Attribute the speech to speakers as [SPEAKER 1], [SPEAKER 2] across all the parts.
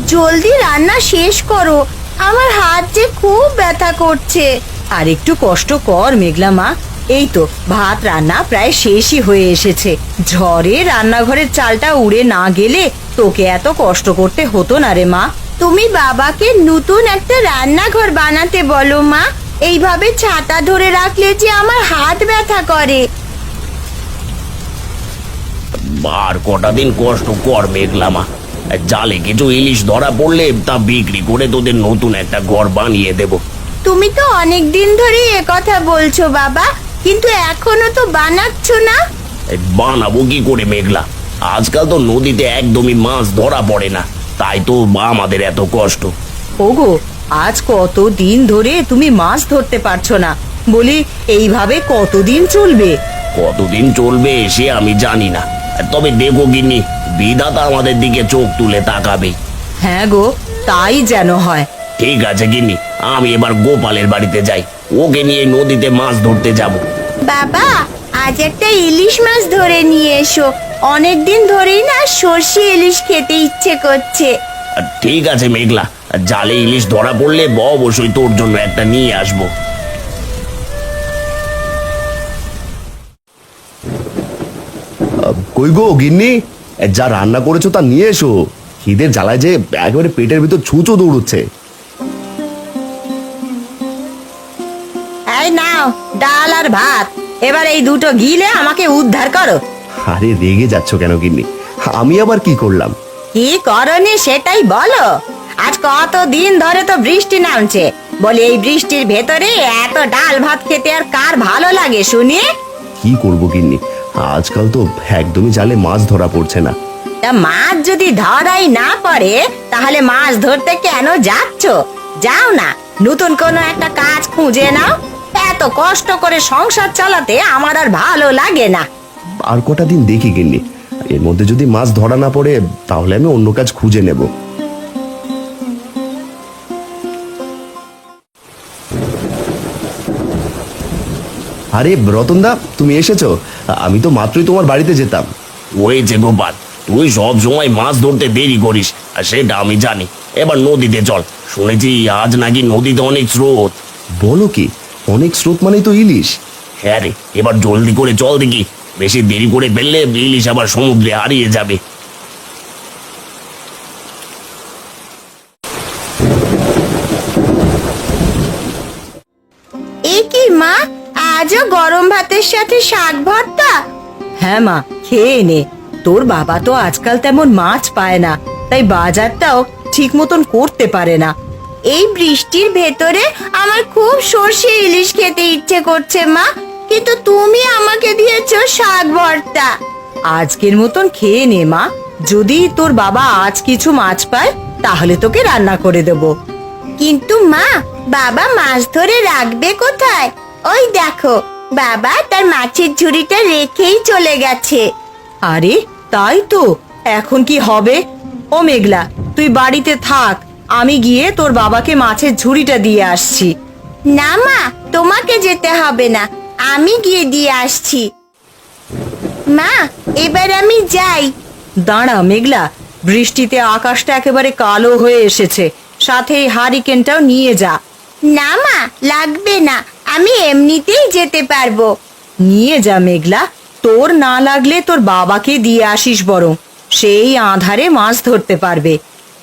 [SPEAKER 1] জলদি রান্না শেষ করো, আমার হাত যে খুব ব্যথা করছে।
[SPEAKER 2] আর একটু কষ্ট কর মেঘলা মা, এই তো ভাত রান্না প্রায় শেষই হয়ে এসেছে। ঝড়ে রান্নাঘরের চালটা উড়ে না গেলে তোকে এত কষ্ট করতে হতো না রে মা।
[SPEAKER 1] তুমি বাবাকে নতুন একটা রান্নাঘর বানাতে বলো মা, এইভাবে ছাতা ধরে রাখলে যে আমার হাত ব্যথা করে।
[SPEAKER 3] আর কটা দিন কষ্ট কর মেঘলা মা, জালে কিছু ইলিশ ধরা পড়লে তা বিক্রি করে তোদের নতুন একটা ঘর বানিয়ে দেব।
[SPEAKER 1] তুমি তো অনেক দিন ধরে এ কথা বলছো বাবা, কিন্তু এখনো তো বানাচ্ছ না।
[SPEAKER 3] বানাবো কি করে মেঘলা, আজকাল তো নদীতে একদমই মাছ ধরা পড়ে না, তাই তো আমাদের এত কষ্ট।
[SPEAKER 2] ওগো, আজ কতদিন ধরে তুমি মাছ ধরতে পারছো না, বলি এইভাবে কতদিন চলবে?
[SPEAKER 3] কতদিন চলবে সে আমি জানি না, তবে দেখো গিন্নি, বিধাতা আমাদের দিকে চোখ তুলে তাকাবে।
[SPEAKER 2] হ্যাঁ গো, তাই যেন হয়।
[SPEAKER 3] ঠিক আছে গিন্নি, আমি এবার গোপালের বাড়িতে যাই, ওকে নিয়ে নদীতে মাছ ধরতে যাব।
[SPEAKER 1] বাবা, আজ একটা ইলিশ মাছ ধরে নিয়ে এসো, অনেকদিন ধরেই না সর্ষে ইলিশ খেতে ইচ্ছে করছে।
[SPEAKER 3] ঠিক আছে মেঘলা, জালে ইলিশ ধরা পড়লে অবশ্যই তোর জন্য একটা নিয়ে আসবো।
[SPEAKER 4] কই গো গিন্নি, যা রান্না করেছো তা নিয়ে এসো। খিদের জ্বালায় যে একেবারে পেটের ভিতর ছুঁচো দৌড়চ্ছে।
[SPEAKER 2] এই নাও ডাল আর ভাত, এবার এই দুটো গিলে আমাকে উদ্ধার করো।
[SPEAKER 4] আরে রেগে যাচ্ছ কেন গিন্নি, আমি আবার কি করলাম?
[SPEAKER 2] কি করনি সেটাই বলো। আজ কতদিন ধরে তো বৃষ্টি নামছে, বলি এই বৃষ্টির ভেতরে এত ডাল ভাত খেতে আর কার ভালো লাগে শুনি?
[SPEAKER 4] কি করবো গিন্নি, আজকাল তো একদমই জালে মাছ ধরা পড়ছে না।
[SPEAKER 2] তা মাছ যদি ধরাই না পড়ে তাহলে মাছ ধরতে কেন যাচ্ছ? যাও না, নতুন কোনো একটা কাজ খুঁজে নাও। এত কষ্ট করে সংসার চালাতে আমার আর ভালো লাগে না।
[SPEAKER 4] আর কটা দিন দেখি গিন্নি, এর মধ্যে যদি মাছ ধরা না পড়ে তাহলে আমি অন্য কাজ খুঁজে নেব। আরে রতনদা, তুমি এসেছো? আমি তো মাত্রই তোমার বাড়িতে যেতাম।
[SPEAKER 3] ওই যে গোপাল, তুই সব সময় মাছ ধরতে দেরি করিস, আর সেটা আমি জানি। এবার নদীতে চল, শুনেছি আজ নাকি নদীতে অনেক স্রোত।
[SPEAKER 4] বলো কি, অনেক স্রোত মানেই তো ইলিশ?
[SPEAKER 3] হ্যাঁ রে, এবার জলদি করে চল দেখি, বেশি দেরি করে ফেললে ইলিশ আবার সমুদ্রে হারিয়ে যাবে।
[SPEAKER 1] এ কি মা, আজও গরম ভাতের সাথে শাক ভর্তা?
[SPEAKER 2] হ্যাঁ মা, খেয়ে নে। তোর বাবা তো আজকাল তেমন মাছ পায় না, তাই বাজারটাও ঠিক মতন করতে পারে না।
[SPEAKER 1] এই বৃষ্টির ভেতরে আমার খুব সর্ষে ইলিশ খেতে ইচ্ছে করছে মা, কিন্তু তুমি আমাকে দিয়েছো শাক ভর্তা।
[SPEAKER 2] আজকের মতন খেয়ে নে মা, যদি তোর বাবা আজ কিছু মাছ পায় তাহলে তোকে রান্না করে দেব।
[SPEAKER 1] কিন্তু মা, বাবা মাছ ধরে রাখবে কোথায়? ওই দেখো, বাবা তার মাছের ঝুড়িটা রেখেই চলে গেছে।
[SPEAKER 2] আরে তাই তো, এখন কি হবে? ও মেঘলা, তুই বাড়িতে থাক, আমি গিয়ে তোর বাবাকে মাছের ঝুড়িটা দিয়ে আসছি।
[SPEAKER 1] না মা, তোমাকে যেতে হবে না, আমি গিয়ে দিয়ে আসছি। মা, এবার আমি যাই।
[SPEAKER 2] দাঁড়া মেঘলা, বৃষ্টিতে আকাশটা একেবারে কালো হয়ে এসেছে, সাথে এই হারিকেনটাও নিয়ে যা।
[SPEAKER 1] না মা, লাগবে না, আমি এমনিতেই যেতে পারবো।
[SPEAKER 2] নিয়ে যা মেঘলা, তোর না লাগলে তোর বাবাকে দিয়ে আসিস বরং, সেই আঁধারে মাছ ধরতে পারবে।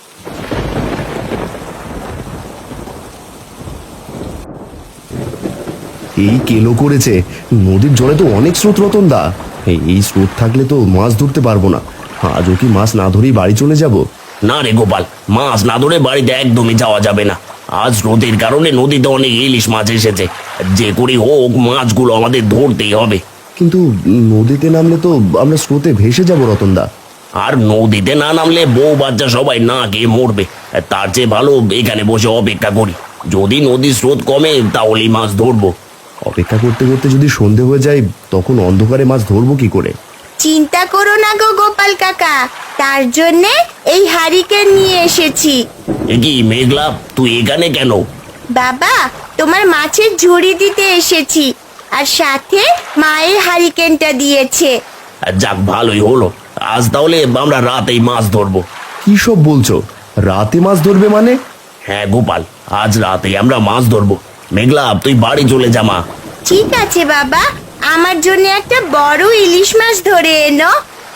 [SPEAKER 4] এই কেলো করেছে, নদীর জলে তো অনেক স্রোত রতনদা। এই স্রোত থাকলে তো মাছ ধরতে পারবো না। আজও কি মাছ না ধরেই বাড়ি চলে যাব?
[SPEAKER 3] না রে গোপাল, মাছ না ধরে বাড়িতে একদমই যাওয়া যাবে না। আজ স্রোতের কারণে নদীতে অনেক ইলিশ মাছ এসেছে, যে করে হোক মাছগুলো আমাদের ধরতেই হবে।
[SPEAKER 4] কিন্তু নদীতে নামলে তো আমরা স্রোতে ভেসে যাব রতনদা।
[SPEAKER 3] আর নদীতে না নামলে বউ বাচ্চা সবাই না খেয়ে মরবে, তার চেয়ে ভালো এখানে বসে অপেক্ষা করি। যদি নদীর স্রোত কমে তাহলেই মাছ ধরবো।
[SPEAKER 4] অপেক্ষা করতে করতে যদি সন্ধে হয়ে যায় তখন অন্ধকারে মাছ ধরবো কি করে?
[SPEAKER 1] চিন্তা করো না গো গোপাল কাকা, তার জন্যে এই হারিকেন নিয়ে এসেছি।
[SPEAKER 3] এ কি মেঘলা, তুই এখানে কেন?
[SPEAKER 1] বাবা, তোমার মাছের ঝুড়ি দিতে এসেছি, আর সাথে মায়ের হারিকেনটা দিয়েছে।
[SPEAKER 3] যাক, ভালোই হলো, আজ তাহলে আমরা রাতেই মাছ ধরবো।
[SPEAKER 4] কি সব বলছো? রাতে মাছ ধরবে মানে?
[SPEAKER 3] হ্যাঁ গোপাল, আজ রাতে আমরা মাছ ধরবো। মেঘলা, তুই বাড়ি চলে যা মা।
[SPEAKER 1] ঠিক আছে বাবা, আমার জন্য একটা বড় ইলিশ মাছ ধরে এনো।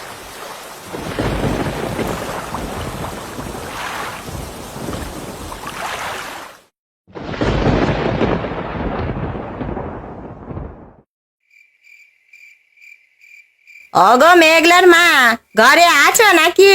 [SPEAKER 2] অগো মেঘলার মা, ঘরে আছো নাকি?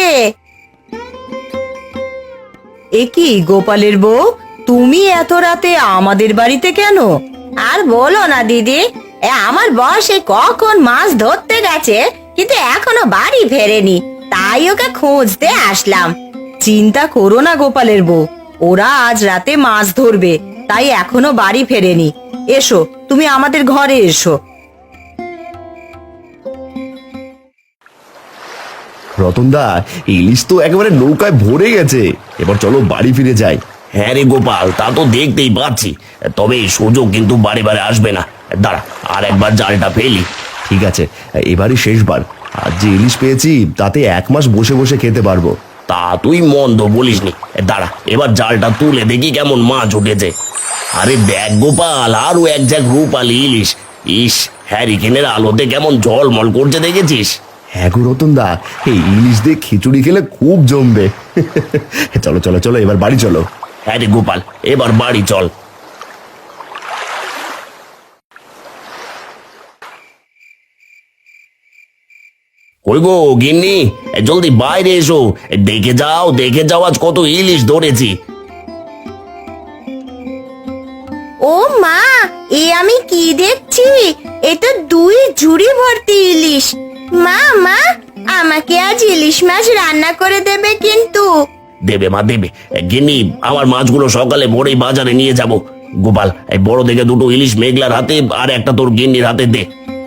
[SPEAKER 2] এ কি গোপালের বউ, তুমি এত রাতে আমাদের বাড়িতে কেন? আর বলো না দিদি, আমার বর সে কখন মাছ ধরতে গেছে, কিন্তু এখনো বাড়ি ফেরেনি, তাই ওকে খুঁজতে আসলাম। চিন্তা করো না গোপালের বউ, ওরা আজ রাতে মাছ ধরবে, তাই এখনো বাড়ি ফেরেনি। এসো, তুমি আমাদের ঘরে এসো।
[SPEAKER 4] রতনদা, ইলিশ তো একেবারে নৌকায় ভরে গেছে, এবার চলো বাড়ি ফিরে যাই।
[SPEAKER 3] হ্যাঁ রে গোপাল, তা তো দেখতেই পাচ্ছি, তবে এই সুযোগ কিন্তু বারে বারে আসবে না। দাঁড়া, আর একবার জালটা ফেলি।
[SPEAKER 4] ঠিক আছে, এবারই শেষবার। আজ যে ইলিশ পেয়েছি তাতে 1 মাস বসে বসে খেতে পারবো।
[SPEAKER 3] তা তুই মন্দ বলিসনি। দাঁড়া, এবার জালটা তুলে দেখি কেমন মাছ উঠেছে। আরে দেখ গোপাল, আরো এক ঝাঁক রূপালি ইলিশ। ইস, হ্যারিকেনের আলোতে কেমন ঝলমল করছে, দেখেছিস?
[SPEAKER 4] হ্যাঁ গো রতনদা, এই ইলিশ দিয়ে খিচুড়ি খেলে খুব জমবে। চলো চলো চলো, এবার বাড়ি চলো।
[SPEAKER 3] হ্যাঁ রে গোপাল, এবার বাড়ি চল। কই গো গিন্নি, জলদি বাইরে এসো। দেখে যাও, দেখে যাও আজ কত ইলিশ ধরেছি।
[SPEAKER 1] ও মা, এ আমি কি দেখছি? এ তো 2 ঝুড়ি ভর্তি ইলিশ। মা মা, আমাকে আজ ইলিশ মাছ রান্না করে দেবে কিন্তু।
[SPEAKER 3] দেবে মা, দেবে। গিন্নি, আমার মাছগুলো সকালে ভোরেই বাজারে নিয়ে যাব। গোপাল, এই বড় দেখে 2টো ইলিশ মেঘলার হাতে, আর একটা তোর গিন্নির হাতে দে।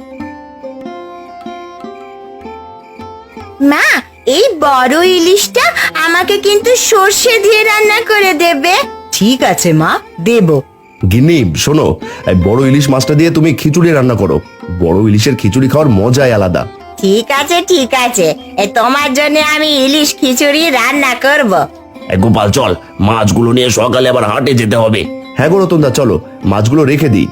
[SPEAKER 1] মা, এই বড় ইলিশটা আমাকে কিন্তু সর্ষে দিয়ে রান্না করে দেবে।
[SPEAKER 2] ঠিক আছে মা, দেবো।
[SPEAKER 4] গিন্নি শোনো, এই বড় ইলিশ মাছটা দিয়ে তুমি খিচুড়ি রান্না করো। বড় ইলিশের খিচুড়ি খাওয়ার মজাই আলাদা।
[SPEAKER 1] ঠিক আছে ঠিক আছে, তোমার জন্য আমি ইলিশ খিচুড়ি রান্না করব।
[SPEAKER 3] গোপাল চল, মাছগুলো নিয়ে সকালে আবার হাটে যেতে হবে।
[SPEAKER 4] হ্যাঁ গো রতনদা, চলো মাছগুলো রেখে দিই।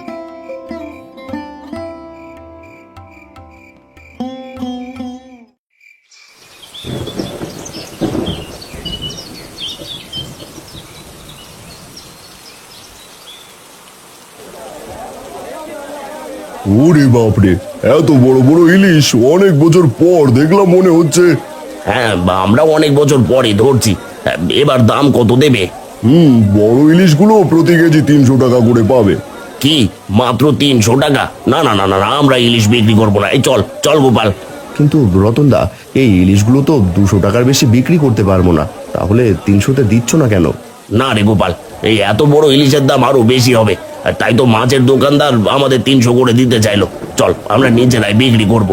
[SPEAKER 5] ওরে বাপরে, এত বড় বড় ইলিশ অনেক বছর পর দেখলাম মনে হচ্ছে।
[SPEAKER 3] হ্যাঁ, আমরা অনেক বছর পরে ধরছি। এবার দাম কত দেবে?
[SPEAKER 5] বড় ইলিশগুলো প্রতি কেজি 300 টাকা করে পাবে।
[SPEAKER 3] কি, মাত্র 300 টাকা? না না না না না, আমরা ইলিশ বিক্রি করবো না। এই চল চল গোপাল।
[SPEAKER 4] কিন্তু রতনদা, এই ইলিশগুলো তো 200 টাকার বেশি বিক্রি করতে পারবো না, তাহলে 300-তে দিচ্ছ না কেন?
[SPEAKER 3] না রে গোপাল, এই এত বড় ইলিশের দাম আরো বেশি হবে, আর তাই তো মাছের দোকানদার আমাদের 300 করে দিতে চাইলো। চল, আমরা নিজেরাই বিক্রি করব।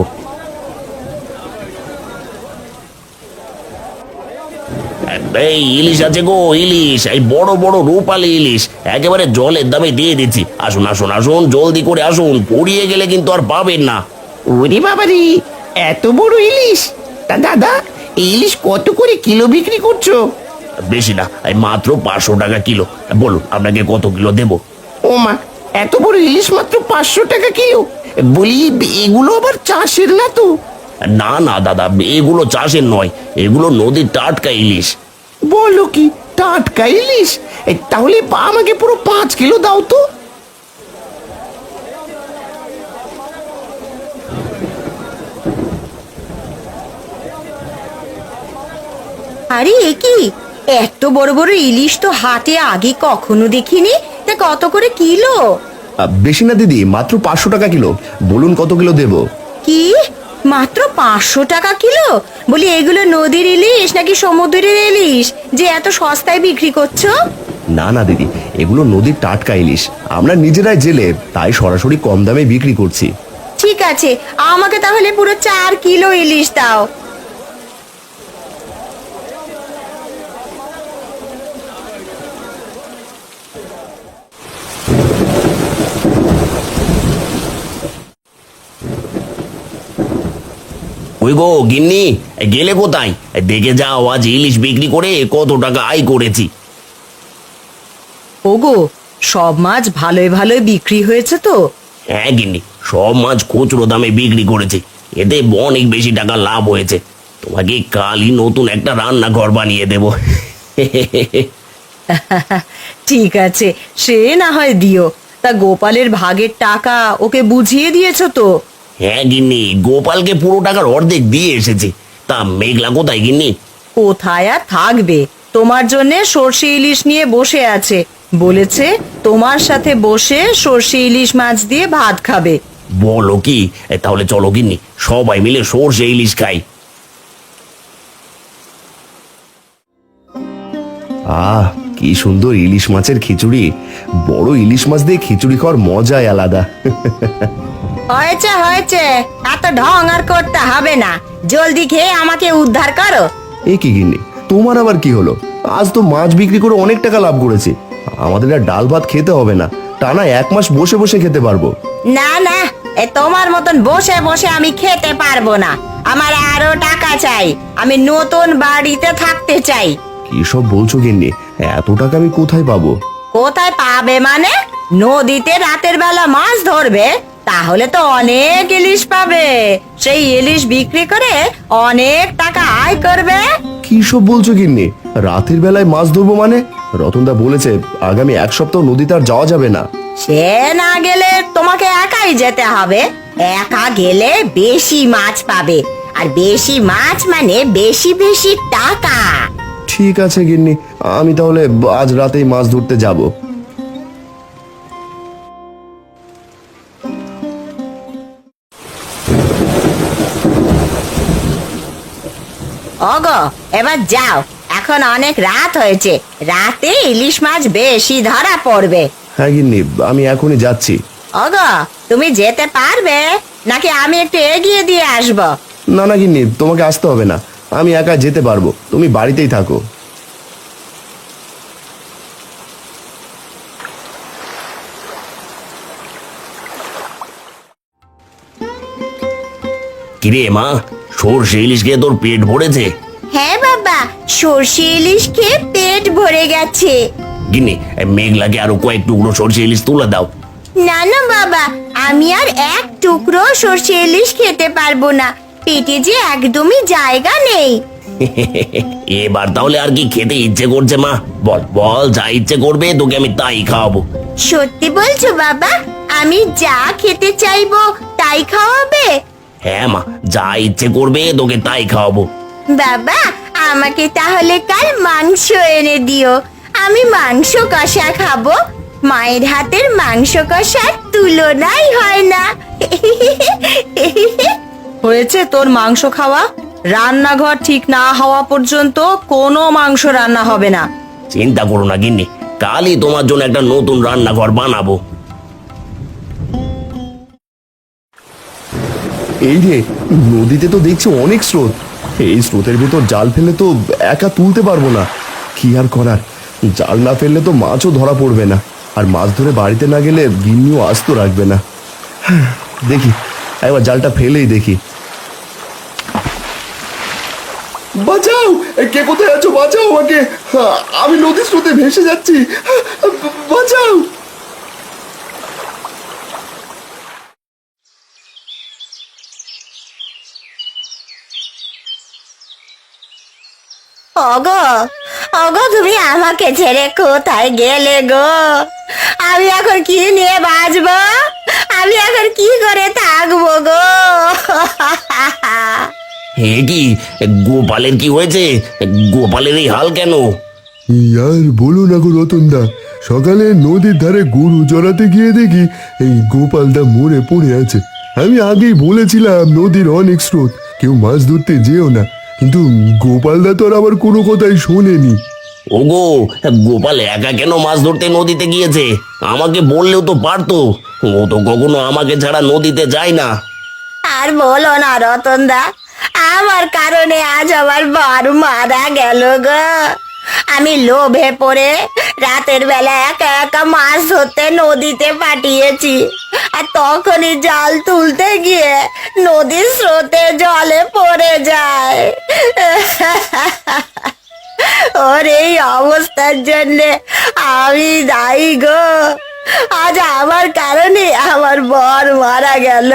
[SPEAKER 3] এই ইলিশ আছে গো, ইলিশ, এই বড় বড় রূপালী ইলিশ, একেবারে জলের দামে দিয়ে দিচ্ছি। আসুন আসুন আসুন, জলদি করে আসুন, পড়িয়ে গেলে কিন্তু আর পাবেন না।
[SPEAKER 6] ওরে বাবারে, এত বড় ইলিশ! তা দাদা, এই ইলিশ কত করে কিলো বিক্রি করছো?
[SPEAKER 3] বেশি না, এই মাত্র 500 টাকা কিলো। বলুন আপনাকে কত কিলো দেবো?
[SPEAKER 6] ও মা, এত বড় ইলিশ মাত্র 500 টাকা কিলো? বলি, এগুলো আবার চাষের না তো?
[SPEAKER 3] না না দাদা, এগুলো চাষের নয়, এগুলো নদীর টাটকা ইলিশ।
[SPEAKER 6] বলো কি, টাটকা ইলিশ? তাহলে আমাকে পুরো 5 কিলো দাও তো।
[SPEAKER 2] আরে এ কি, এত বড় বড় ইলিশ তো হাটে আগে কখনো দেখিনি। তা কত করে কিলো?
[SPEAKER 4] বেশি না দিদি, মাত্র 500 টাকা কিলো। বলুন কত কিলো দেবো?
[SPEAKER 2] কি, মাত্র 500 টাকা কিলো? বলি, এগুলো নদীর ইলিশ নাকি সমুদ্রের ইলিশ যে এত সস্তায় বিক্রি করছো?
[SPEAKER 4] না না দিদি, এগুলো নদীর টাটকা ইলিশ, আমরা নিজেরাই জেলে, তাই সরাসরি কম দামে বিক্রি করছি।
[SPEAKER 2] ঠিক আছে, আমাকে তাহলে পুরো 4 কিলো ইলিশ দাও।
[SPEAKER 3] ওই কই গো গিন্নি, গেলে কোথায়? দেখে যাও আজ ইলিশ বিক্রি করে কত টাকা আয় করেছি।
[SPEAKER 2] ওগো, সব মাছ ভালোই ভালোই বিক্রি হয়েছে তো?
[SPEAKER 3] হ্যাঁ গিন্নি, সব মাছ খুচরো দামে বিক্রি করেছে, এতে অনেক বেশি টাকা লাভ হয়েছে। তোমাকে কালই নতুন একটা রান্নাঘর বানিয়ে দেব।
[SPEAKER 2] ঠিক আছে, সে না হয় দিও। তা গোপালের ভাগের টাকা ওকে বুঝিয়ে দিয়েছো তো?
[SPEAKER 3] হ্যাঁ গিন্নি, গোপালকে পুরো টাকার অর্ধেক দিয়ে এসেছে। তা মেঘলা কোথায় গিন্নি?
[SPEAKER 2] কোথায় আর থাকবে, তোমার জন্য সর্ষে ইলিশ নিয়ে বসে আছে। বলেছে তোমার সাথে বসে সর্ষে ইলিশ মাছ দিয়ে ভাত খাবে।
[SPEAKER 3] বলো কি? তাহলে চলো গিন্নি, সবাই মিলে সর্ষে ইলিশ খাই।
[SPEAKER 4] আহ, কি সুন্দর ইলিশ মাছের খিচুড়ি। বড় ইলিশ মাছ দিয়ে খিচুড়ি খাওয়ার মজাই আলাদা।
[SPEAKER 2] হয়েছে হয়েছে, এত ঢং আর করতে হবে না। জলদি খেয়ে আমাকে উদ্ধার করো।
[SPEAKER 4] এ কি গিন্নি, তোমার আবার কি হলো? আজ তো মাছ বিক্রি করে অনেক টাকা লাভ করেছি। আমাদের আর ডাল ভাত খেতে হবে না, টানা 1 মাস বসে বসে খেতে পারবো।
[SPEAKER 2] না না, তোমার মতন বসে বসে আমি খেতে পারবো না। আমার আরো টাকা চাই, আমি নতুন বাড়িতে থাকতে চাই।
[SPEAKER 4] কি সব বলছো গিন্নি? এত টাকা আমি কোথায় পাবো?
[SPEAKER 2] কোথায় পাবে মানে? নদীতে রাতের বেলা মাছ ধরবে, তাহলে তো অনেক ইলিশ পাবে। সেই ইলিশ বিক্রি করে অনেক টাকা আয় করবে।
[SPEAKER 4] কি সব বলছো গিন্নি? রাতের বেলায় মাছ ধরবো মানে? রতনদা বলেছে আগামী 1 সপ্তাহ নদীতে আর যাওয়া যাবে না।
[SPEAKER 2] সে না গেলে তোমাকে একাই যেতে হবে। একা গেলে বেশি মাছ পাবে, আর বেশি মাছ মানে বেশি বেশি টাকা।
[SPEAKER 4] ঠিক আছে গিন্নি, আমি তাহলে আজ রাতেই মাছ ধরতে যাব।
[SPEAKER 2] ওগো, এবার যাও, এখন অনেক রাত হয়েছে। রাতে ইলিশ মাছ বেশি ধরা পড়বে।
[SPEAKER 4] হ্যাঁ গিন্নি, আমি এখনই যাচ্ছি।
[SPEAKER 2] ওগো, তুমি যেতে পারবে নাকি আমি একটু এগিয়ে দিয়ে আসবো?
[SPEAKER 4] না না গিন্নি, তোমাকে আসতে হবে না, আমি একা যেতে পারবো, তুমি বাড়িতেই থাকো।
[SPEAKER 3] কিরে মা, সর্ষে ইলিশ খেয়ে তোর পেট ভরেছে?
[SPEAKER 1] হ্যাঁ বাবা, সর্ষে ইলিশ খেয়ে পেট ভরে গেছে।
[SPEAKER 3] গিন্নি, মেঘলাকে আরো কয়েক টুকরো সর্ষে ইলিশ তুলে দাও।
[SPEAKER 1] না না বাবা, আমি আর এক টুকরো সর্ষে ইলিশ খেতে পারবো না, পেটে যে একদমই জায়গা নেই।
[SPEAKER 3] এবার তাহলে আর কি খেতে ইচ্ছে করছে মা? বল বল, যা ইচ্ছে করবে তোকে আমি তাই খাওয়াবো।
[SPEAKER 1] সত্যি বলছো বাবা? আমি যা খেতে চাইবো তাই খাওয়াবে?
[SPEAKER 3] হ্যাঁ মা, যা ইচ্ছে করবে তোকে তাই খাওয়াবো।
[SPEAKER 1] বাবা, আমাকে তাহলে কাল মাংস এনে দিও, আমি মাংস কষা খাবো। মায়ের হাতের মাংস কষার তুলনাই হয় না।
[SPEAKER 2] হয়েছে তোর মাংস খাওয়া? রান্নাঘর ঠিক না হওয়া পর্যন্ত কোনো মাংস রান্না হবে না।
[SPEAKER 3] চিন্তা করো না গিন্নি, কালই তোমার জন্য একটা নতুন রান্নাঘর বানাবো।
[SPEAKER 4] এই রে, নদীতে তো দেখছি অনেক স্রোত। এই স্রোতের ভেতর জাল ফেলে তো একা তুলতে পারবো না। কি আর করার, জাল না ফেললে তো মাছও ধরা পড়বে না, আর মাছ ধরে বাড়িতে না গেলে গিন্নিও আস্ত রাখবে না। দেখি, একবার জালটা ফেলেই দেখি। বাঁচাও! কে কোথায় আছো? বাঁচাও আমাকে, আমি নদীর স্রোতে ভেসে যাচ্ছি, বাঁচাও!
[SPEAKER 1] ওগো, ওগো, তুমি আমাকে ছেড়ে কোথায় গেলে গো? আমি এখন কি নিয়ে বাঁচবো? আমি এখন কি করে থাকবো গো?
[SPEAKER 3] হে কি, গোপালের কি হয়েছে? গোপালের এই হাল কেন?
[SPEAKER 5] আর বলো না গো রতনদা, সকালে নদীর ধারে গরু চড়াতে গিয়ে দেখি এই গোপালদা মরে পড়ে আছে। আমি আগেই বলেছিলাম নদীর অনেক স্রোত, কেউ মাছ ধরতে যেও না, কিন্তু গোপালদা তো আর আবার কোনো কথাই শোনেনি।
[SPEAKER 3] ওগো, গোপাল একা কেন মাছ ধরতে নদীতে গিয়েছে? আমাকে বললেও তো পারতো, ও তো কখনো আমাকে ছাড়া নদীতে যায় না।
[SPEAKER 1] আর বলো না রতনদা, আমার কারণে আজ আমার বর মারা গেল গো।
[SPEAKER 2] আমি লোভে পড়ে রাতের বেলা একা একা মাছ ধরতে নদীতে পাঠিয়েছি, আর তখনই জাল তুলতে গিয়ে নদীর স্রোতে জলে পড়ে যায়। ওর এই অবস্থার জন্য আমি দায়ী গো। আজ আমার কারণে আমার বর মারা গেল।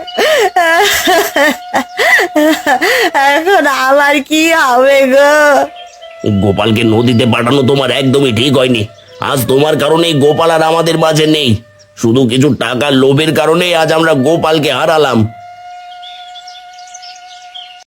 [SPEAKER 2] এখন আমার কি হবে গো?
[SPEAKER 3] গোপালকে নদীতে পাঠানো তোমার একদমই ঠিক হয়নি। আজ তোমার কারণেই গোপাল আর আমাদের মাঝে নেই। শুধু কিছু টাকার লোভের কারণে আজ আমরা গোপালকে হারালাম।